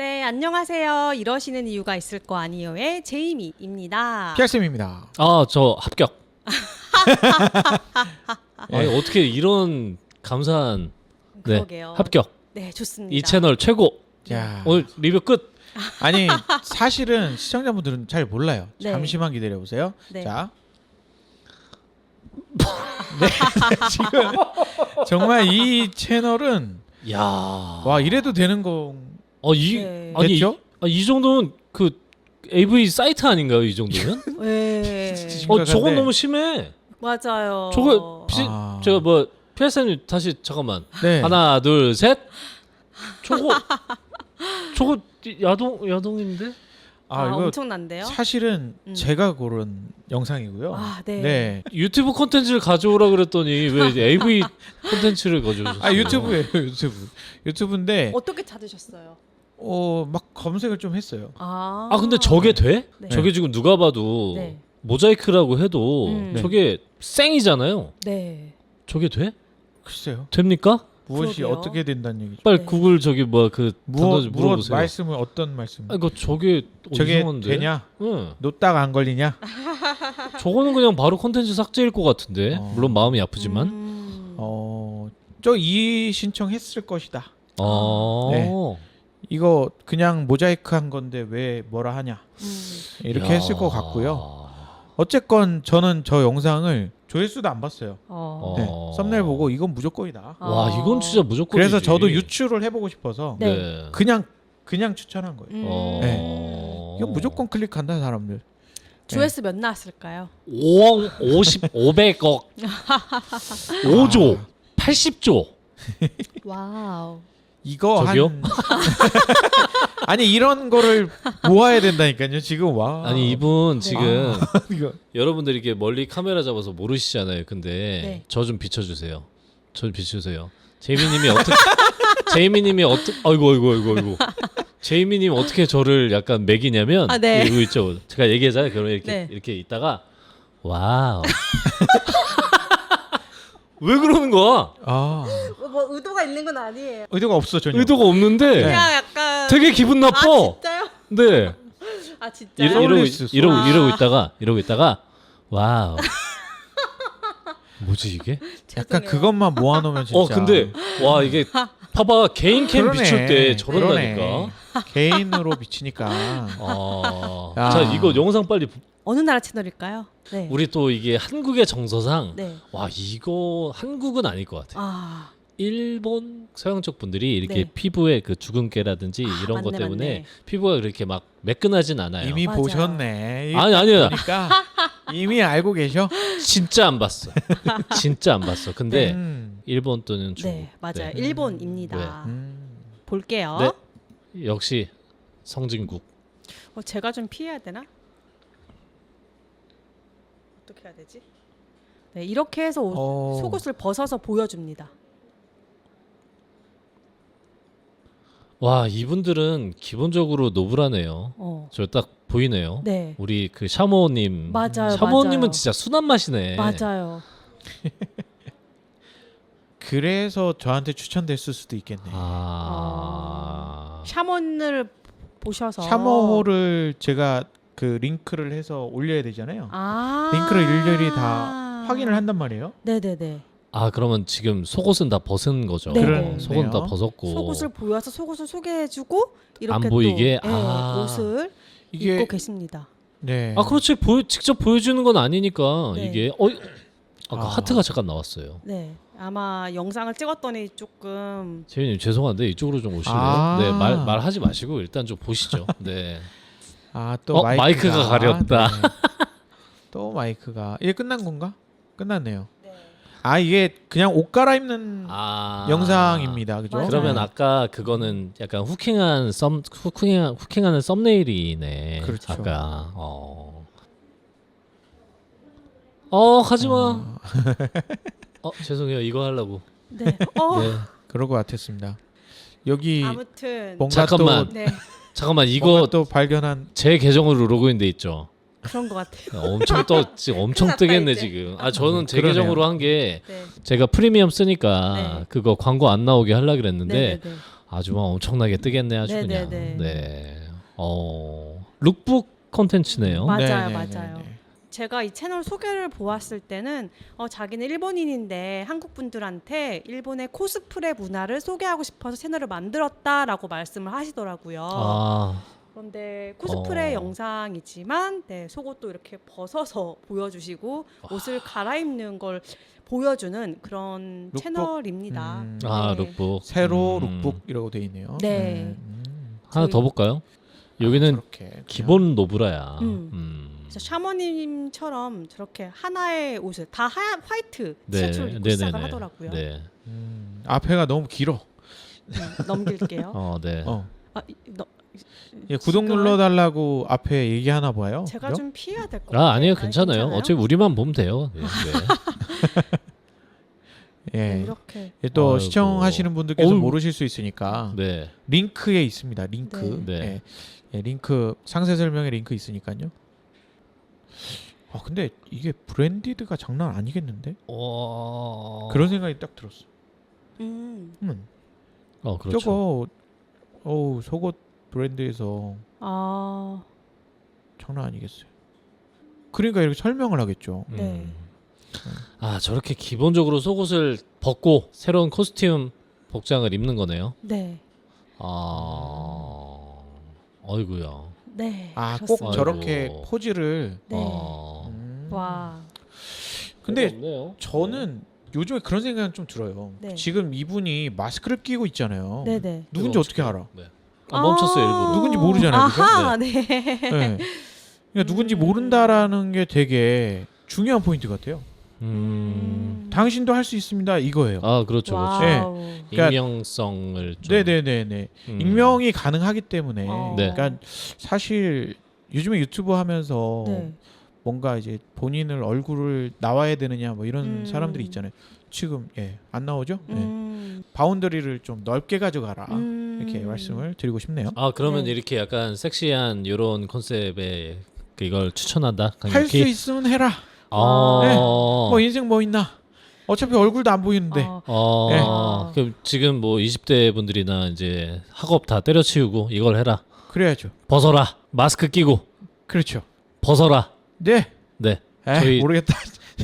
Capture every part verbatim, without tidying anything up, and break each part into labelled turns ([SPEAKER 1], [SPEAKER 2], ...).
[SPEAKER 1] 네, 안녕하세요. 이러시는 이유가 있을 거 아니에요의 제이미입니다.
[SPEAKER 2] 피알쌤입니다.
[SPEAKER 3] 아, 저 합격. 아니, 어떻게 이런 감사한 네,
[SPEAKER 1] 그러게요.
[SPEAKER 3] 합격.
[SPEAKER 1] 네, 좋습니다.
[SPEAKER 3] 이 채널 최고.
[SPEAKER 2] 자,
[SPEAKER 3] 오늘 리뷰 끝.
[SPEAKER 2] 아니 사실은 시청자분들은 잘 몰라요.
[SPEAKER 1] 네.
[SPEAKER 2] 잠시만 기다려 보세요.
[SPEAKER 1] 네.
[SPEAKER 2] 자, 네, 지금 정말 이 채널은
[SPEAKER 3] 야.
[SPEAKER 2] 와 이래도 되는 거
[SPEAKER 3] 어, 이
[SPEAKER 1] 네.
[SPEAKER 3] 아니
[SPEAKER 2] 됐죠?
[SPEAKER 3] 이, 아, 이 정도는 그 에이브이 사이트 아닌가요? 이 정도면?
[SPEAKER 1] 네,
[SPEAKER 3] 어, 저건
[SPEAKER 2] 심각한데.
[SPEAKER 3] 너무 심해.
[SPEAKER 1] 맞아요.
[SPEAKER 3] 저거 피,
[SPEAKER 2] 아.
[SPEAKER 3] 제가 뭐 피알쌤님 다시 잠깐만.
[SPEAKER 2] 네.
[SPEAKER 3] 하나, 둘, 셋. 저거 저거 야동 야동인데?
[SPEAKER 2] 아,
[SPEAKER 1] 아,
[SPEAKER 2] 이거
[SPEAKER 1] 엄청난데요?
[SPEAKER 2] 사실은
[SPEAKER 1] 음.
[SPEAKER 2] 제가 고른 영상이고요.
[SPEAKER 1] 아, 네.
[SPEAKER 2] 네.
[SPEAKER 3] 유튜브 콘텐츠를 가져오라 그랬더니 왜 에이브이 콘텐츠를 가져오셨어요?
[SPEAKER 2] 아 유튜브예요, 유튜브. 유튜브인데
[SPEAKER 1] 어떻게 찾으셨어요?
[SPEAKER 2] 어 막 검색을 좀 했어요.
[SPEAKER 1] 아,
[SPEAKER 3] 아 근데 저게 돼?
[SPEAKER 1] 네.
[SPEAKER 3] 저게 지금 누가 봐도
[SPEAKER 1] 네.
[SPEAKER 3] 모자이크라고 해도
[SPEAKER 1] 음.
[SPEAKER 3] 저게 생이잖아요.
[SPEAKER 1] 네.
[SPEAKER 3] 저게 돼?
[SPEAKER 2] 글쎄요.
[SPEAKER 3] 됩니까?
[SPEAKER 2] 무엇이
[SPEAKER 1] 그러게요.
[SPEAKER 2] 어떻게 된다는 얘기죠?
[SPEAKER 3] 빨리
[SPEAKER 1] 네.
[SPEAKER 3] 구글 저기 뭐야 그
[SPEAKER 2] 무엇
[SPEAKER 3] 단어
[SPEAKER 2] 무엇
[SPEAKER 3] 물어보세요.
[SPEAKER 2] 말씀을 어떤 말씀?
[SPEAKER 3] 아 이거 저게
[SPEAKER 2] 저게
[SPEAKER 3] 이상한데?
[SPEAKER 2] 되냐?
[SPEAKER 3] 응.
[SPEAKER 2] 놓다가 안 걸리냐?
[SPEAKER 3] 저거는 그냥 바로 콘텐츠 삭제일 것 같은데.
[SPEAKER 2] 어.
[SPEAKER 3] 물론 마음이 아프지만.
[SPEAKER 1] 음.
[SPEAKER 2] 어, 저 이 신청했을 것이다.
[SPEAKER 3] 어.
[SPEAKER 2] 네. 이거 그냥 모자이크 한 건데 왜 뭐라 하냐?
[SPEAKER 1] 음.
[SPEAKER 2] 이렇게
[SPEAKER 3] 야.
[SPEAKER 2] 했을 것 같고요. 어쨌건 저는 저 영상을 조회수도 안 봤어요.
[SPEAKER 1] 어.
[SPEAKER 2] 네.
[SPEAKER 3] 어.
[SPEAKER 2] 썸네일 보고 이건 무조건이다.
[SPEAKER 1] 어.
[SPEAKER 3] 와 이건 진짜 무조건.
[SPEAKER 2] 그래서 저도 유출을 해보고 싶어서
[SPEAKER 1] 네.
[SPEAKER 3] 네.
[SPEAKER 2] 그냥 그냥 추천한 거예요.
[SPEAKER 1] 음.
[SPEAKER 3] 어.
[SPEAKER 2] 네. 이거 무조건 클릭한다 사람들.
[SPEAKER 1] 조회수 몇 나왔을까요?
[SPEAKER 3] 오억 오십 오백억 오조 팔십조.
[SPEAKER 1] 와우.
[SPEAKER 2] 이거
[SPEAKER 3] 저기요?
[SPEAKER 2] 한 아니 이런 거를 모아야 된다니까요. 지금 와.
[SPEAKER 3] 아니 이분 지금
[SPEAKER 2] 이거
[SPEAKER 3] 여러분들이 이렇게 멀리 카메라 잡아서 모르시잖아요. 근데
[SPEAKER 1] 네.
[SPEAKER 3] 저 좀 비춰주세요. 저 좀 비춰주세요. 제이미님이 어떻게 제이미님이 어떻게 아이고 아이고 아이고 아이고 제이미님 어떻게 저를 약간 매기냐면
[SPEAKER 1] 아, 네.
[SPEAKER 3] 이거 있죠. 제가 얘기하잖아요. 그러면 이렇게
[SPEAKER 1] 네.
[SPEAKER 3] 이렇게 있다가 와우. 왜 그러는 거야?
[SPEAKER 2] 아
[SPEAKER 1] 뭐 의도가 있는 건 아니에요.
[SPEAKER 2] 의도가 없어 전혀.
[SPEAKER 3] 의도가 없는데
[SPEAKER 2] 네.
[SPEAKER 1] 그냥 약간
[SPEAKER 3] 되게 기분 나빠.
[SPEAKER 1] 아 진짜요?
[SPEAKER 3] 네.
[SPEAKER 1] 아 진짜요?
[SPEAKER 3] 이러, 이러고
[SPEAKER 2] 서울리스,
[SPEAKER 3] 있- 이러고
[SPEAKER 1] 서울리스.
[SPEAKER 3] 이러고 있다가 이러고 있다가 와우. 뭐지 이게?
[SPEAKER 2] 약간
[SPEAKER 1] 죄송해요.
[SPEAKER 2] 그것만 모아놓으면 진짜.
[SPEAKER 3] 어 근데 와 이게 봐봐 개인 캠
[SPEAKER 2] 그러네.
[SPEAKER 3] 비출 때 저런다니까.
[SPEAKER 2] 그러네. 개인으로 비치니까.
[SPEAKER 3] 아,
[SPEAKER 2] 야.
[SPEAKER 3] 자 이거 영상 빨리 부-
[SPEAKER 1] 어느 나라 채널일까요? 네.
[SPEAKER 3] 우리 또 이게 한국의 정서상
[SPEAKER 1] 네.
[SPEAKER 3] 와 이거 한국은 아닐 것 같아.
[SPEAKER 1] 아.
[SPEAKER 3] 일본 서양 쪽 분들이 이렇게
[SPEAKER 1] 네.
[SPEAKER 3] 피부에 그 주근깨라든지 이런
[SPEAKER 1] 맞네,
[SPEAKER 3] 것 때문에
[SPEAKER 1] 맞네.
[SPEAKER 3] 피부가 그렇게 막 매끈하진 않아요.
[SPEAKER 2] 이미
[SPEAKER 1] 맞아요.
[SPEAKER 2] 보셨네.
[SPEAKER 3] 아니 아니야
[SPEAKER 2] 그러니까 이미 알고 계셔.
[SPEAKER 3] 진짜 안 봤어. 진짜 안 봤어. 근데
[SPEAKER 2] 음.
[SPEAKER 3] 일본 또는 중국.
[SPEAKER 1] 네, 맞아요.
[SPEAKER 3] 네.
[SPEAKER 1] 일본입니다.
[SPEAKER 2] 음.
[SPEAKER 1] 볼게요.
[SPEAKER 3] 네. 역시 성진국.
[SPEAKER 1] 어, 제가 좀 피해야 되나? 어떻게 해야 되지? 네, 이렇게 해서 옷,
[SPEAKER 2] 어.
[SPEAKER 1] 속옷을 벗어서 보여줍니다.
[SPEAKER 3] 와 이분들은 기본적으로 노블하네요.
[SPEAKER 1] 어,
[SPEAKER 3] 저 딱 보이네요.
[SPEAKER 1] 네,
[SPEAKER 3] 우리 그 샤모님.
[SPEAKER 1] 맞아요,
[SPEAKER 3] 샤모님은
[SPEAKER 1] 맞아요.
[SPEAKER 3] 진짜 순한 맛이네.
[SPEAKER 1] 맞아요.
[SPEAKER 2] 그래서 저한테 추천됐을 수도 있겠네.
[SPEAKER 3] 아.
[SPEAKER 1] 샤먼을 보셔서
[SPEAKER 2] 샤머홀을 제가 그 링크를 해서 올려야 되잖아요.
[SPEAKER 1] 아,
[SPEAKER 2] 링크를 일일이 다 확인을 한단 말이에요.
[SPEAKER 1] 네네네.
[SPEAKER 3] 아 그러면 지금 속옷은 다 벗은 거죠.
[SPEAKER 1] 네.
[SPEAKER 2] 그러네요.
[SPEAKER 3] 속은 다 벗었고.
[SPEAKER 1] 속옷을 보여서 속옷을 소개해주고 이렇게
[SPEAKER 3] 안 보이게?
[SPEAKER 1] 또, 네,
[SPEAKER 3] 아.
[SPEAKER 1] 옷을
[SPEAKER 2] 이게
[SPEAKER 1] 입고 계십니다.
[SPEAKER 2] 네.
[SPEAKER 3] 아 그렇지 보여, 직접 보여주는 건 아니니까
[SPEAKER 1] 네.
[SPEAKER 3] 이게 어 아까
[SPEAKER 2] 아.
[SPEAKER 3] 하트가 잠깐 나왔어요.
[SPEAKER 1] 네, 아마 영상을 찍었더니 조금
[SPEAKER 3] 재민님 죄송한데 이쪽으로 좀 오실래요?
[SPEAKER 2] 아.
[SPEAKER 3] 네 말 말하지 마시고 일단 좀 보시죠. 네.
[SPEAKER 2] 아, 또
[SPEAKER 3] 어,
[SPEAKER 2] 마이크가,
[SPEAKER 3] 마이크가 가렸다.
[SPEAKER 2] 네. 또 마이크가 이게 끝난 건가? 끝났네요.
[SPEAKER 1] 네.
[SPEAKER 2] 아 이게 그냥 옷 갈아입는
[SPEAKER 3] 아
[SPEAKER 2] 영상입니다. 그죠?
[SPEAKER 1] 맞아요.
[SPEAKER 3] 그러면 아까 그거는 약간 후킹한 썸 후킹한 후킹하는 썸네일이네.
[SPEAKER 2] 그렇죠.
[SPEAKER 3] 아까 어. 어 가지마.
[SPEAKER 2] 어,
[SPEAKER 3] 어 죄송해요 이거 하려고.
[SPEAKER 1] 네. 어,
[SPEAKER 3] 네.
[SPEAKER 2] 그럴 것 같았습니다. 여기
[SPEAKER 1] 아무튼
[SPEAKER 2] 뭔가
[SPEAKER 3] 잠깐만.
[SPEAKER 2] 또
[SPEAKER 1] 네,
[SPEAKER 3] 잠깐만
[SPEAKER 2] 뭔가
[SPEAKER 3] 이거
[SPEAKER 2] 또 발견한
[SPEAKER 3] 제 계정으로 로그인돼 있죠.
[SPEAKER 1] 그런 것 같아요.
[SPEAKER 3] 엄청 떠 지금 엄청
[SPEAKER 1] 큰일 났다,
[SPEAKER 3] 뜨겠네
[SPEAKER 1] 이제.
[SPEAKER 3] 지금. 아 저는 제
[SPEAKER 2] 그러네요.
[SPEAKER 3] 계정으로 한 게
[SPEAKER 1] 네,
[SPEAKER 3] 제가 프리미엄 쓰니까
[SPEAKER 1] 네.
[SPEAKER 3] 그거 광고 안 나오게 하려 그랬는데
[SPEAKER 1] 네, 네, 네.
[SPEAKER 3] 아주 막 엄청나게 뜨겠네 아주
[SPEAKER 1] 네,
[SPEAKER 3] 그냥.
[SPEAKER 1] 네, 네.
[SPEAKER 3] 네. 어 룩북 콘텐츠네요.
[SPEAKER 1] 맞아요,
[SPEAKER 2] 네, 네,
[SPEAKER 1] 맞아요.
[SPEAKER 2] 네, 네.
[SPEAKER 1] 제가 이 채널 소개를 보았을 때는 어, 자기는 일본인인데 한국 분들한테 일본의 코스프레 문화를 소개하고 싶어서 채널을 만들었다라고 말씀을 하시더라고요.
[SPEAKER 3] 아
[SPEAKER 1] 그런데 코스프레
[SPEAKER 3] 어.
[SPEAKER 1] 영상이지만 네, 속옷도 이렇게 벗어서 보여주시고 옷을 갈아입는 걸 보여주는 그런
[SPEAKER 2] 룩북?
[SPEAKER 1] 채널입니다.
[SPEAKER 2] 음.
[SPEAKER 3] 아,
[SPEAKER 1] 네.
[SPEAKER 3] 룩북.
[SPEAKER 2] 세로
[SPEAKER 3] 음.
[SPEAKER 2] 룩북이라고 돼 있네요.
[SPEAKER 1] 네.
[SPEAKER 2] 음.
[SPEAKER 3] 하나
[SPEAKER 1] 저희-
[SPEAKER 3] 더 볼까요? 여기는
[SPEAKER 2] 저렇게 그냥.
[SPEAKER 3] 기본 노브라야.
[SPEAKER 1] 음.
[SPEAKER 3] 음.
[SPEAKER 1] 그래서 샤머님처럼 저렇게 하나의 옷을 다 하얀 화이트
[SPEAKER 3] 네,
[SPEAKER 1] 티셔츠를 입고
[SPEAKER 3] 네,
[SPEAKER 1] 시작을
[SPEAKER 3] 네,
[SPEAKER 1] 하더라고요.
[SPEAKER 3] 네.
[SPEAKER 2] 음, 앞에가 너무 길어.
[SPEAKER 1] 음, 넘길게요.
[SPEAKER 3] 어, 네.
[SPEAKER 2] 어.
[SPEAKER 1] 아, 이- 너,
[SPEAKER 2] 예, 구독
[SPEAKER 1] 지금은
[SPEAKER 2] 눌러달라고 앞에 얘기하나 봐요.
[SPEAKER 1] 제가
[SPEAKER 2] 그죠?
[SPEAKER 1] 좀 피해야 될 것 같아요.
[SPEAKER 3] 아, 아니에요. 괜찮아요.
[SPEAKER 1] 괜찮아요?
[SPEAKER 3] 어차피 우리만 보면 돼요. 네. 네.
[SPEAKER 2] 예.
[SPEAKER 1] 네, 이렇게
[SPEAKER 2] 예, 또
[SPEAKER 3] 아이고.
[SPEAKER 2] 시청하시는 분들께서
[SPEAKER 3] 어우.
[SPEAKER 2] 모르실 수 있으니까
[SPEAKER 3] 네.
[SPEAKER 2] 링크에 있습니다. 링크.
[SPEAKER 3] 네. 네.
[SPEAKER 2] 예. 예, 링크 상세 설명에 링크 있으니까요. 아 근데 이게 브랜디드가 장난 아니겠는데?
[SPEAKER 3] 어...
[SPEAKER 2] 그런 생각이 딱 들었어.
[SPEAKER 1] 음.
[SPEAKER 2] 음.
[SPEAKER 3] 어, 그렇죠.
[SPEAKER 2] 저거 어우 속옷 브랜드에서
[SPEAKER 1] 아,
[SPEAKER 2] 장난 아니겠어요. 그러니까 이렇게 설명을 하겠죠.
[SPEAKER 3] 음.
[SPEAKER 1] 네.
[SPEAKER 3] 아, 저렇게 기본적으로 속옷을 벗고 새로운 코스튬 복장을 입는 거네요.
[SPEAKER 1] 네,
[SPEAKER 3] 아. 어이구야.
[SPEAKER 1] 네.
[SPEAKER 2] 아 꼭
[SPEAKER 1] 그렇습니다.
[SPEAKER 2] 저렇게
[SPEAKER 3] 아이고.
[SPEAKER 2] 포즈를.
[SPEAKER 1] 네.
[SPEAKER 3] 어.
[SPEAKER 2] 음.
[SPEAKER 1] 와,
[SPEAKER 2] 근데
[SPEAKER 3] 없네요.
[SPEAKER 2] 저는 요즘에 그런 생각은 좀 들어요.
[SPEAKER 1] 네.
[SPEAKER 2] 지금 이분이 마스크를 끼고 있잖아요.
[SPEAKER 1] 네, 네.
[SPEAKER 2] 누군지
[SPEAKER 3] 이거
[SPEAKER 2] 어떻게 알아?
[SPEAKER 3] 네. 아, 멈췄어요, 일부러.
[SPEAKER 2] 누군지 모르잖아요, 그죠?
[SPEAKER 1] 아하, 네.
[SPEAKER 2] 네. 그러니까 누군지
[SPEAKER 1] 음.
[SPEAKER 2] 모른다라는 게 되게 중요한 포인트 같아요.
[SPEAKER 3] 음.
[SPEAKER 2] 당신도 할 수 있습니다. 이거예요.
[SPEAKER 3] 아, 그렇죠. 그렇죠.
[SPEAKER 1] 와우.
[SPEAKER 2] 그러니까-
[SPEAKER 3] 익명성을 좀
[SPEAKER 2] 네네네네.
[SPEAKER 3] 음.
[SPEAKER 2] 익명이 가능하기 때문에.
[SPEAKER 1] 어.
[SPEAKER 3] 네.
[SPEAKER 2] 그러니까 사실 요즘에 유튜브 하면서
[SPEAKER 1] 네.
[SPEAKER 2] 뭔가 이제 본인을 얼굴을 나와야 되느냐 뭐 이런
[SPEAKER 1] 음.
[SPEAKER 2] 사람들이 있잖아요. 지금 예, 안 나오죠? 예.
[SPEAKER 1] 음.
[SPEAKER 2] 바운더리를 좀 넓게 가져가라.
[SPEAKER 1] 음.
[SPEAKER 2] 이렇게 말씀을 드리고 싶네요.
[SPEAKER 3] 아, 그러면
[SPEAKER 1] 네.
[SPEAKER 3] 이렇게 약간 섹시한 요런 컨셉의 그 이걸 추천한다.
[SPEAKER 2] 할 수 있으면 해라.
[SPEAKER 3] 아.
[SPEAKER 2] 네. 뭐 인생 뭐 있나? 어차피 얼굴도 안 보이는데.
[SPEAKER 1] 어,
[SPEAKER 3] 어.
[SPEAKER 1] 네.
[SPEAKER 3] 그럼 지금 뭐 이십 대 분들이나 이제 학업 다 때려치우고 이걸 해라.
[SPEAKER 2] 그래야죠.
[SPEAKER 3] 벗어라. 마스크 끼고
[SPEAKER 2] 그렇죠.
[SPEAKER 3] 벗어라.
[SPEAKER 2] 네.
[SPEAKER 3] 네.
[SPEAKER 2] 에이,
[SPEAKER 3] 저희-
[SPEAKER 2] 모르겠다.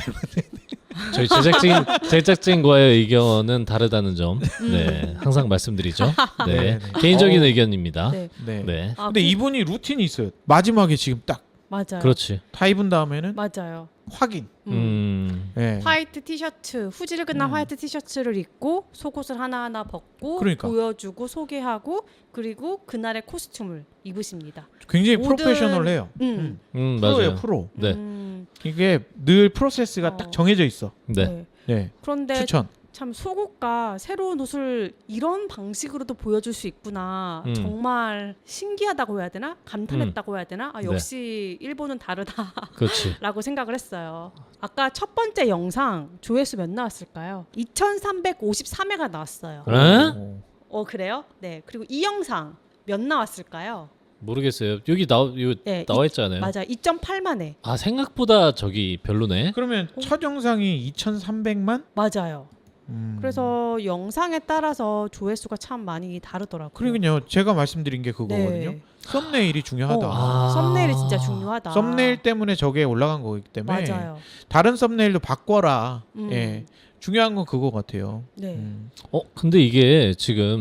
[SPEAKER 3] 저희 제작진 제작진과의 의견은 다르다는 점. 네. 항상 말씀드리죠. 네.
[SPEAKER 2] 네, 네.
[SPEAKER 3] 개인적인
[SPEAKER 2] 어.
[SPEAKER 3] 의견입니다.
[SPEAKER 1] 네.
[SPEAKER 2] 네.
[SPEAKER 3] 네.
[SPEAKER 1] 아,
[SPEAKER 2] 근데
[SPEAKER 1] 그-
[SPEAKER 2] 이분이 루틴이 있어요. 마지막에 지금 딱 다
[SPEAKER 1] 맞아요.
[SPEAKER 3] 그렇지.
[SPEAKER 2] 입은 다음에는
[SPEAKER 1] 맞아요.
[SPEAKER 2] 확인.
[SPEAKER 1] 음.
[SPEAKER 3] 음.
[SPEAKER 2] 네.
[SPEAKER 1] 화이트 티셔츠, 후지를 끝난
[SPEAKER 2] 음.
[SPEAKER 1] 화이트 티셔츠를 입고 속옷을 하나하나 벗고
[SPEAKER 2] 그러니까.
[SPEAKER 1] 보여주고 소개하고 그리고 그날의 코스튬을 입으십니다.
[SPEAKER 2] 굉장히
[SPEAKER 1] 모든-
[SPEAKER 2] 프로페셔널해요.
[SPEAKER 1] 음.
[SPEAKER 3] 음,
[SPEAKER 2] 프로예요,
[SPEAKER 3] 맞아요.
[SPEAKER 2] 프로.
[SPEAKER 3] 네.
[SPEAKER 1] 음.
[SPEAKER 2] 이게 늘 프로세스가
[SPEAKER 1] 어.
[SPEAKER 2] 딱 정해져 있어.
[SPEAKER 3] 네.
[SPEAKER 1] 네.
[SPEAKER 2] 네.
[SPEAKER 1] 그런데
[SPEAKER 2] 추천.
[SPEAKER 1] 참 속옷과 새로운 옷을 이런 방식으로도 보여줄 수 있구나.
[SPEAKER 3] 음.
[SPEAKER 1] 정말 신기하다고 해야 되나? 감탄했다고 해야 되나? 아,
[SPEAKER 3] 네.
[SPEAKER 1] 역시 일본은 다르다라고
[SPEAKER 3] 그렇지.
[SPEAKER 1] 생각을 했어요. 아까 첫 번째 영상 조회수 몇 나왔을까요? 이천삼백오십삼 회가 나왔어요.
[SPEAKER 3] 에?
[SPEAKER 2] 어.
[SPEAKER 1] 어 그래요? 네. 그리고 이 영상 몇 나왔을까요?
[SPEAKER 3] 모르겠어요. 여기 나 요
[SPEAKER 1] 네,
[SPEAKER 3] 나와
[SPEAKER 1] 이-
[SPEAKER 3] 있잖아요.
[SPEAKER 1] 맞아. 이점팔만 회.
[SPEAKER 3] 아, 생각보다 저기 별로네.
[SPEAKER 2] 그러면 첫 영상이 이천삼백만?
[SPEAKER 1] 맞아요.
[SPEAKER 2] 음.
[SPEAKER 1] 그래서 영상에 따라서 조회수가 참 많이 다르더라고요.
[SPEAKER 2] 그러니까요. 제가 말씀드린 게 그거거든요.
[SPEAKER 1] 네.
[SPEAKER 2] 썸네일이 중요하다.
[SPEAKER 1] 어,
[SPEAKER 3] 아.
[SPEAKER 1] 썸네일이 진짜 중요하다.
[SPEAKER 2] 썸네일 때문에 저게 올라간 거기 때문에
[SPEAKER 1] 맞아요.
[SPEAKER 2] 다른 썸네일도 바꿔라.
[SPEAKER 1] 음.
[SPEAKER 2] 예. 중요한 건 그거 같아요.
[SPEAKER 1] 네.
[SPEAKER 2] 음.
[SPEAKER 3] 어, 근데 이게 지금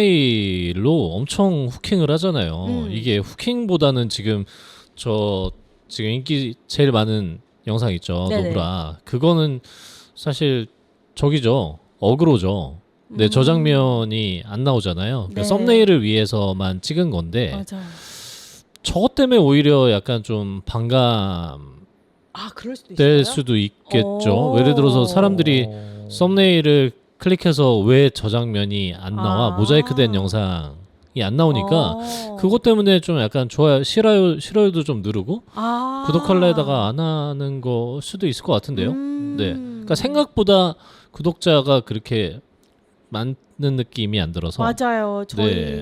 [SPEAKER 3] 썸네일로 엄청 후킹을 하잖아요.
[SPEAKER 1] 음.
[SPEAKER 3] 이게 후킹보다는 지금 저 지금 인기 제일 많은 영상 있죠.
[SPEAKER 1] 네네.
[SPEAKER 3] 노브라. 그거는 사실 저기죠. 어그로죠. 네,
[SPEAKER 1] 음.
[SPEAKER 3] 저 장면이 안 나오잖아요. 그러니까
[SPEAKER 1] 네.
[SPEAKER 3] 썸네일을 위해서만 찍은 건데
[SPEAKER 1] 맞아요.
[SPEAKER 3] 저것 때문에 오히려 약간 좀 반감
[SPEAKER 1] 아 그럴 수도 있어요.
[SPEAKER 3] 될 수도 있겠죠.
[SPEAKER 1] 오.
[SPEAKER 3] 예를 들어서 사람들이
[SPEAKER 2] 어.
[SPEAKER 3] 썸네일을 클릭해서 왜 저 장면이 안 나와?
[SPEAKER 1] 아.
[SPEAKER 3] 모자이크된 영상이 안 나오니까
[SPEAKER 1] 어.
[SPEAKER 3] 그것 때문에 좀 약간 좋아요, 싫어요, 싫어요도 좀 누르고
[SPEAKER 1] 아.
[SPEAKER 3] 구독할래다가 안 하는 거 수도 있을 것 같은데요.
[SPEAKER 1] 음.
[SPEAKER 3] 네. 그러니까 생각보다 구독자가 그렇게 많은 느낌이 안 들어서
[SPEAKER 1] 맞아요. 저희
[SPEAKER 3] 네.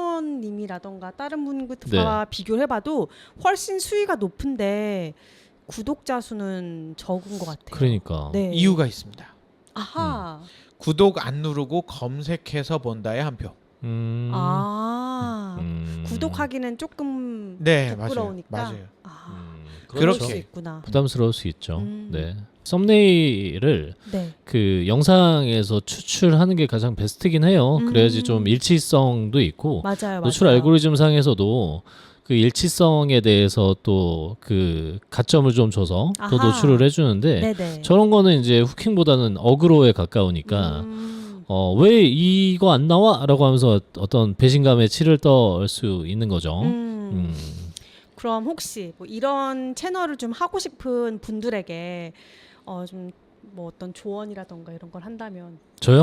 [SPEAKER 1] 샤먼님이라던가 다른 분과 비교를 해봐도 훨씬 수위가 높은데 구독자 수는 적은 것 같아요.
[SPEAKER 3] 그러니까
[SPEAKER 1] 네.
[SPEAKER 2] 이유가 있습니다.
[SPEAKER 1] 아하.
[SPEAKER 2] 구독 안 누르고 검색해서 본다의 한 표.
[SPEAKER 3] 음.
[SPEAKER 1] 아
[SPEAKER 3] 음.
[SPEAKER 1] 구독하기는 조금
[SPEAKER 2] 네,
[SPEAKER 1] 부끄러우니까.
[SPEAKER 2] 맞아요. 맞아요.
[SPEAKER 1] 아,
[SPEAKER 3] 음.
[SPEAKER 1] 그럴
[SPEAKER 2] 그렇게.
[SPEAKER 1] 수 있구나.
[SPEAKER 3] 부담스러울 수 있죠.
[SPEAKER 1] 음.
[SPEAKER 3] 네. 썸네일을
[SPEAKER 1] 네.
[SPEAKER 3] 그 영상에서 추출하는 게 가장 베스트긴 해요.
[SPEAKER 1] 음.
[SPEAKER 3] 그래야지 좀 일치성도 있고
[SPEAKER 1] 맞아요,
[SPEAKER 3] 노출
[SPEAKER 1] 맞아요.
[SPEAKER 3] 알고리즘 상에서도 그 일치성에 대해서 또 그 가점을 좀 줘서 또
[SPEAKER 1] 아하.
[SPEAKER 3] 노출을 해주는데
[SPEAKER 1] 네네.
[SPEAKER 3] 저런 거는 이제 후킹보다는 어그로에 가까우니까
[SPEAKER 1] 음.
[SPEAKER 3] 어, 왜 이거 안 나와? 라고 하면서 어떤 배신감에 치를 떨 수 있는 거죠.
[SPEAKER 1] 음.
[SPEAKER 3] 음.
[SPEAKER 1] 그럼 혹시 뭐 이런 채널을 좀 하고 싶은 분들에게 어 좀 뭐 어떤 조언이라던가 이런 걸 한다면
[SPEAKER 3] 저요?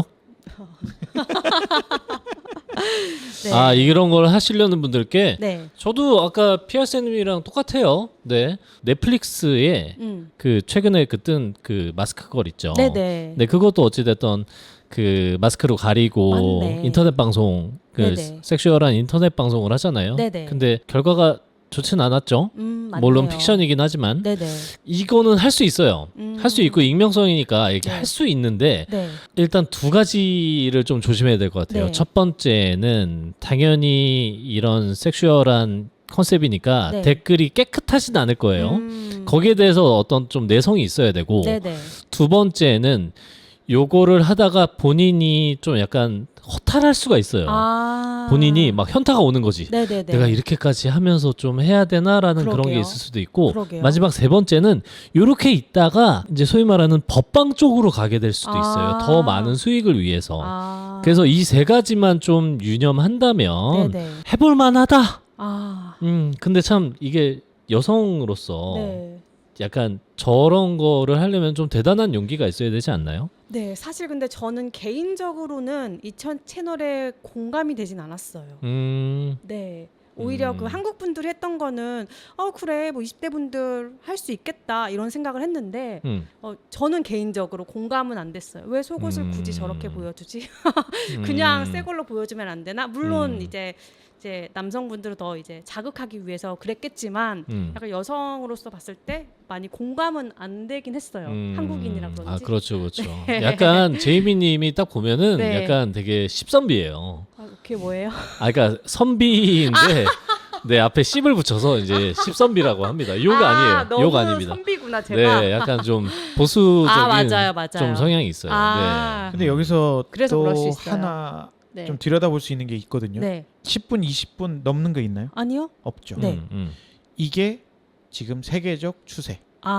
[SPEAKER 1] 네.
[SPEAKER 3] 아 이런 걸 하시려는 분들께
[SPEAKER 1] 네.
[SPEAKER 3] 저도 아까 피아르쌤님이랑 똑같아요. 네, 넷플릭스에
[SPEAKER 1] 음.
[SPEAKER 3] 그 최근에 그 뜬 그 마스크 걸 있죠.
[SPEAKER 1] 네네.
[SPEAKER 3] 네, 그것도 어찌됐던 그 마스크로 가리고
[SPEAKER 1] 맞네.
[SPEAKER 3] 인터넷 방송, 그
[SPEAKER 1] 네네.
[SPEAKER 3] 섹슈얼한 인터넷 방송을 하잖아요.
[SPEAKER 1] 네네.
[SPEAKER 3] 근데 결과가 좋진 않았죠.
[SPEAKER 1] 음, 맞네요.
[SPEAKER 3] 물론 픽션이긴 하지만
[SPEAKER 1] 네네.
[SPEAKER 3] 이거는 할 수 있어요.
[SPEAKER 1] 음.
[SPEAKER 3] 할 수 있고 익명성이니까 이렇게
[SPEAKER 1] 네.
[SPEAKER 3] 할 수 있는데
[SPEAKER 1] 네.
[SPEAKER 3] 일단 두 가지를 좀 조심해야 될 것 같아요.
[SPEAKER 1] 네.
[SPEAKER 3] 첫 번째는 당연히 이런 섹슈얼한 컨셉이니까
[SPEAKER 1] 네.
[SPEAKER 3] 댓글이 깨끗하진 않을 거예요.
[SPEAKER 1] 음.
[SPEAKER 3] 거기에 대해서 어떤 좀 내성이 있어야 되고
[SPEAKER 1] 네네.
[SPEAKER 3] 두 번째는 요거를 하다가 본인이 좀 약간 허탈할 수가 있어요.
[SPEAKER 1] 아.
[SPEAKER 3] 본인이 막 현타가 오는 거지.
[SPEAKER 1] 네네네.
[SPEAKER 3] 내가 이렇게까지 하면서 좀 해야 되나라는 그런
[SPEAKER 1] 그러게요.
[SPEAKER 3] 게 있을 수도 있고
[SPEAKER 1] 그러게요.
[SPEAKER 3] 마지막 세 번째는 요렇게 있다가 이제 소위 말하는 법방 쪽으로 가게 될 수도 있어요.
[SPEAKER 1] 아.
[SPEAKER 3] 더 많은 수익을 위해서.
[SPEAKER 1] 아.
[SPEAKER 3] 그래서 이 세 가지만 좀 유념한다면
[SPEAKER 1] 네네.
[SPEAKER 3] 해볼 만하다.
[SPEAKER 1] 아.
[SPEAKER 3] 음, 근데 참 이게 여성으로서
[SPEAKER 1] 네.
[SPEAKER 3] 약간 저런 거를 하려면 좀 대단한 용기가 있어야 되지 않나요?
[SPEAKER 1] 네, 사실 근데 저는 개인적으로는 이 천- 채널에 공감이 되진 않았어요.
[SPEAKER 3] 음,
[SPEAKER 1] 네. 오히려
[SPEAKER 3] 음.
[SPEAKER 1] 그 한국 분들이 했던 거는 어 그래 뭐 이십 대 분들 할 수 있겠다 이런 생각을 했는데
[SPEAKER 3] 음,
[SPEAKER 1] 어 저는 개인적으로 공감은 안 됐어요. 왜 속옷을
[SPEAKER 3] 음.
[SPEAKER 1] 굳이 저렇게 보여주지? 그냥
[SPEAKER 3] 음.
[SPEAKER 1] 새 걸로 보여주면 안 되나? 물론
[SPEAKER 3] 음.
[SPEAKER 1] 이제 이제 남성분들을 더 이제 자극하기 위해서 그랬겠지만
[SPEAKER 3] 음.
[SPEAKER 1] 약간 여성으로서 봤을 때 많이 공감은 안 되긴 했어요.
[SPEAKER 3] 음.
[SPEAKER 1] 한국인이라 그런지.
[SPEAKER 3] 아 그렇죠, 그렇죠. 약간 제이미님이 딱 보면은
[SPEAKER 1] 네.
[SPEAKER 3] 약간 되게 십선비예요.
[SPEAKER 1] 아, 그게 뭐예요?
[SPEAKER 3] 아, 그러니까 선비인데 네 앞에 씹을 붙여서 이제 십선비라고 합니다. 욕 아, 니에요 욕 아닙니다.
[SPEAKER 1] 선비구나 제가.
[SPEAKER 3] 네, 약간 좀 보수적인
[SPEAKER 1] 아 맞아요, 맞아요.
[SPEAKER 3] 좀 성향이 있어요.
[SPEAKER 1] 아.
[SPEAKER 2] 근데 여기서
[SPEAKER 1] 그래서 그럴 수
[SPEAKER 2] 또
[SPEAKER 1] 있어요.
[SPEAKER 2] 하나
[SPEAKER 1] 네.
[SPEAKER 2] 좀 들여다볼 수 있는 게 있거든요.
[SPEAKER 1] 네.
[SPEAKER 2] 십 분, 이십 분 넘는 거 있나요?
[SPEAKER 1] 아니요.
[SPEAKER 2] 없죠.
[SPEAKER 1] 네.
[SPEAKER 3] 음, 음.
[SPEAKER 2] 이게 지금 세계적 추세.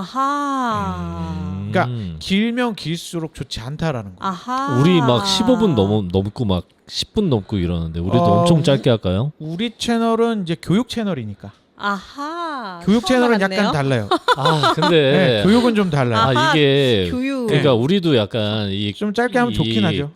[SPEAKER 1] 아하.
[SPEAKER 3] 음.
[SPEAKER 2] 그러니까 길면 길수록 좋지 않다라는 거.
[SPEAKER 1] 아하.
[SPEAKER 3] 우리 막 십오 분 넘, 넘고 막 십 분 넘고 이러는데 우리도
[SPEAKER 2] 어,
[SPEAKER 3] 엄청 짧게 할까요?
[SPEAKER 2] 우리 채널은 이제 교육 채널이니까.
[SPEAKER 1] 아하.
[SPEAKER 2] 교육
[SPEAKER 1] 처음
[SPEAKER 2] 채널은
[SPEAKER 1] 알았네요.
[SPEAKER 2] 약간 달라요.
[SPEAKER 3] 아 근데
[SPEAKER 2] 네, 교육은 좀 달라요.
[SPEAKER 3] 아
[SPEAKER 1] 아하,
[SPEAKER 3] 이게
[SPEAKER 1] 교육.
[SPEAKER 3] 그러니까 우리도 약간 이
[SPEAKER 2] 좀 짧게 하면
[SPEAKER 3] 이
[SPEAKER 2] 좋긴 하죠.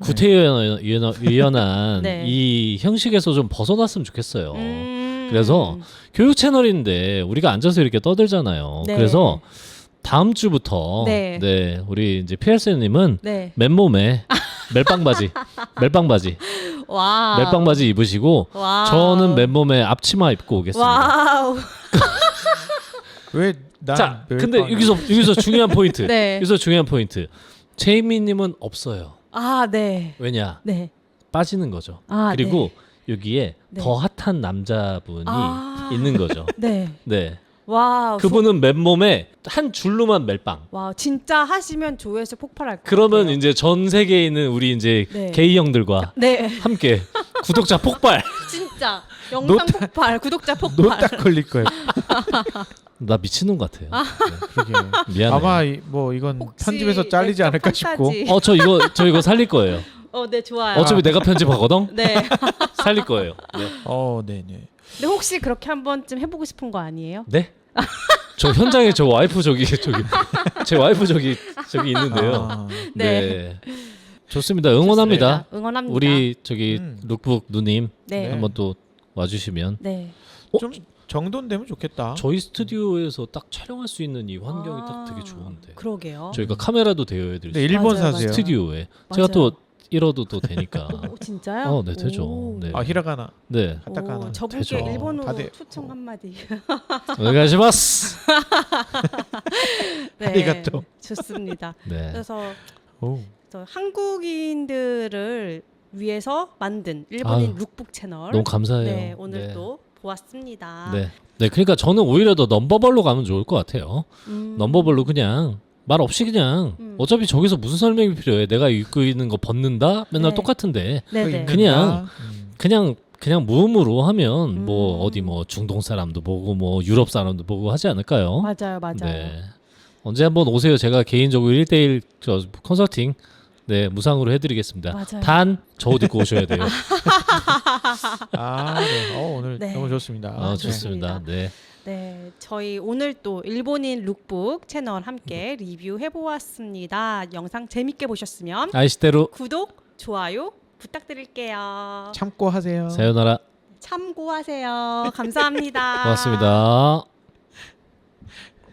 [SPEAKER 3] 구태의연한
[SPEAKER 1] 네.
[SPEAKER 3] 이 형식에서 좀 벗어났으면 좋겠어요.
[SPEAKER 1] 음.
[SPEAKER 3] 그래서 교육 채널인데 우리가 앉아서 이렇게 떠들잖아요.
[SPEAKER 1] 네.
[SPEAKER 3] 그래서 다음 주부터
[SPEAKER 1] 네.
[SPEAKER 3] 네, 우리 이제 피엘씨님은
[SPEAKER 1] 네.
[SPEAKER 3] 맨몸에 멜빵 바지, 멜빵 바지,
[SPEAKER 1] 와.
[SPEAKER 3] 멜빵 바지 입으시고
[SPEAKER 1] 와.
[SPEAKER 3] 저는 맨몸에 앞치마 입고 오겠습니다.
[SPEAKER 1] 와우.
[SPEAKER 2] 왜 난?
[SPEAKER 3] 자,
[SPEAKER 2] 멜빵-
[SPEAKER 3] 근데 여기서 여기서 중요한 포인트.
[SPEAKER 1] 네.
[SPEAKER 3] 여기서 중요한 포인트. 제이미님은 없어요.
[SPEAKER 1] 아, 네.
[SPEAKER 3] 왜냐?
[SPEAKER 1] 네.
[SPEAKER 3] 빠지는 거죠.
[SPEAKER 1] 아,
[SPEAKER 3] 그리고 여기에
[SPEAKER 1] 네.
[SPEAKER 3] 더 핫한 남자분이
[SPEAKER 1] 아.
[SPEAKER 3] 있는 거죠.
[SPEAKER 1] 네.
[SPEAKER 3] 네.
[SPEAKER 1] 와우.
[SPEAKER 3] 그분은 맨몸에 한 줄로만 멜빵.
[SPEAKER 1] 와, 진짜 하시면 조회수 폭발할 것
[SPEAKER 3] 그러면
[SPEAKER 1] 같아요.
[SPEAKER 3] 이제 전 세계에 있는 우리 이제
[SPEAKER 1] 네.
[SPEAKER 3] 게이 형들과
[SPEAKER 1] 네.
[SPEAKER 3] 함께 구독자 폭발.
[SPEAKER 1] 진짜 영상
[SPEAKER 2] 노딱-
[SPEAKER 1] 폭발, 구독자 폭발.
[SPEAKER 2] 노딱 걸릴 거예요.
[SPEAKER 3] 나 미친놈 같아요.
[SPEAKER 2] 그러게.
[SPEAKER 3] 미안해.
[SPEAKER 2] 아마 이- 뭐 이건
[SPEAKER 1] 혹시
[SPEAKER 2] 편집에서 잘리지
[SPEAKER 1] 웹툰
[SPEAKER 2] 않을까 싶고.
[SPEAKER 1] 판타지.
[SPEAKER 3] 어 저 이거 저 이거 살릴 거예요.
[SPEAKER 1] 어, 네, 좋아요.
[SPEAKER 3] 어차피 내가 편집하거든.
[SPEAKER 1] 네.
[SPEAKER 3] 살릴 거예요. 네.
[SPEAKER 2] 어, 네, 네.
[SPEAKER 1] 근데 혹시 그렇게 한 번쯤 해보고 싶은 거 아니에요?
[SPEAKER 3] 네? 저 현장에 저 와이프 저기 저기 제 와이프 저기 저기 있는데요.
[SPEAKER 2] 아,
[SPEAKER 3] 네. 좋습니다. 응원합니다.
[SPEAKER 1] 좋습니다. 응원합니다.
[SPEAKER 3] 우리 저기
[SPEAKER 2] 음.
[SPEAKER 3] 룩북 누님
[SPEAKER 1] 네.
[SPEAKER 2] 네.
[SPEAKER 3] 한번 또 와주시면
[SPEAKER 1] 네.
[SPEAKER 3] 어?
[SPEAKER 2] 좀 정돈 되면 좋겠다.
[SPEAKER 3] 저희 스튜디오에서 딱 촬영할 수 있는 이 환경이
[SPEAKER 1] 아,
[SPEAKER 3] 딱 되게 좋은데
[SPEAKER 1] 그러게요.
[SPEAKER 3] 저희가 카메라도 대여해드릴 수
[SPEAKER 2] 네,
[SPEAKER 3] 있어요.
[SPEAKER 2] 일본
[SPEAKER 1] 맞아요,
[SPEAKER 2] 사세요.
[SPEAKER 3] 스튜디오에
[SPEAKER 1] 맞아요.
[SPEAKER 3] 제가 또 잃어도 또 되니까.
[SPEAKER 1] 오, 진짜요?
[SPEAKER 3] 어, 네 되죠.
[SPEAKER 1] 오.
[SPEAKER 3] 네.
[SPEAKER 2] 아, 히라가나,
[SPEAKER 3] 네.
[SPEAKER 2] 카타카나.
[SPEAKER 1] 오, 저분께
[SPEAKER 3] 되죠.
[SPEAKER 1] 일본어로
[SPEAKER 2] 다들-
[SPEAKER 1] 초청 한마디.
[SPEAKER 3] 오네가시마스.
[SPEAKER 1] 네.
[SPEAKER 2] 아리가또.
[SPEAKER 1] 좋습니다.
[SPEAKER 3] 네.
[SPEAKER 1] 그래서
[SPEAKER 2] 오.
[SPEAKER 1] 저 한국인들을 위해서 만든 일본인
[SPEAKER 3] 아유,
[SPEAKER 1] 룩북 채널.
[SPEAKER 3] 너무 감사해요.
[SPEAKER 1] 네, 오늘
[SPEAKER 3] 네.
[SPEAKER 1] 또 보았습니다.
[SPEAKER 3] 네. 네, 그러니까 저는 오히려 더 넘버벌로 가면 좋을 것 같아요.
[SPEAKER 1] 음.
[SPEAKER 3] 넘버벌로 그냥 말 없이 그냥
[SPEAKER 1] 음.
[SPEAKER 3] 어차피 저기서 무슨 설명이 필요해? 내가 입고 있는 거 벗는다? 맨날
[SPEAKER 1] 네.
[SPEAKER 3] 똑같은데
[SPEAKER 1] 네네.
[SPEAKER 3] 그냥
[SPEAKER 2] 음.
[SPEAKER 3] 그냥 그냥 무음으로 하면 뭐
[SPEAKER 1] 음.
[SPEAKER 3] 어디 뭐 중동 사람도 보고 뭐 유럽 사람도 보고 하지 않을까요?
[SPEAKER 1] 맞아요, 맞아요.
[SPEAKER 3] 네. 언제 한번 오세요. 제가 개인적으로 일 대일 저 컨설팅 네, 무상으로 해드리겠습니다.
[SPEAKER 1] 맞아요.
[SPEAKER 3] 단 저 옷 입고 오셔야 돼요.
[SPEAKER 2] 아, 네. 어, 오늘
[SPEAKER 1] 네.
[SPEAKER 2] 너무 좋습니다.
[SPEAKER 3] 아,
[SPEAKER 1] 네.
[SPEAKER 3] 좋습니다. 네.
[SPEAKER 1] 네, 저희 오늘 또 일본인 룩북 채널 함께 리뷰해 보았습니다. 영상 재밌게 보셨으면
[SPEAKER 3] 아이시대로
[SPEAKER 1] 구독, 좋아요 부탁드릴게요.
[SPEAKER 2] 참고 하세요.
[SPEAKER 3] 사요나라.
[SPEAKER 1] 참고하세요. 감사합니다.
[SPEAKER 3] 고맙습니다.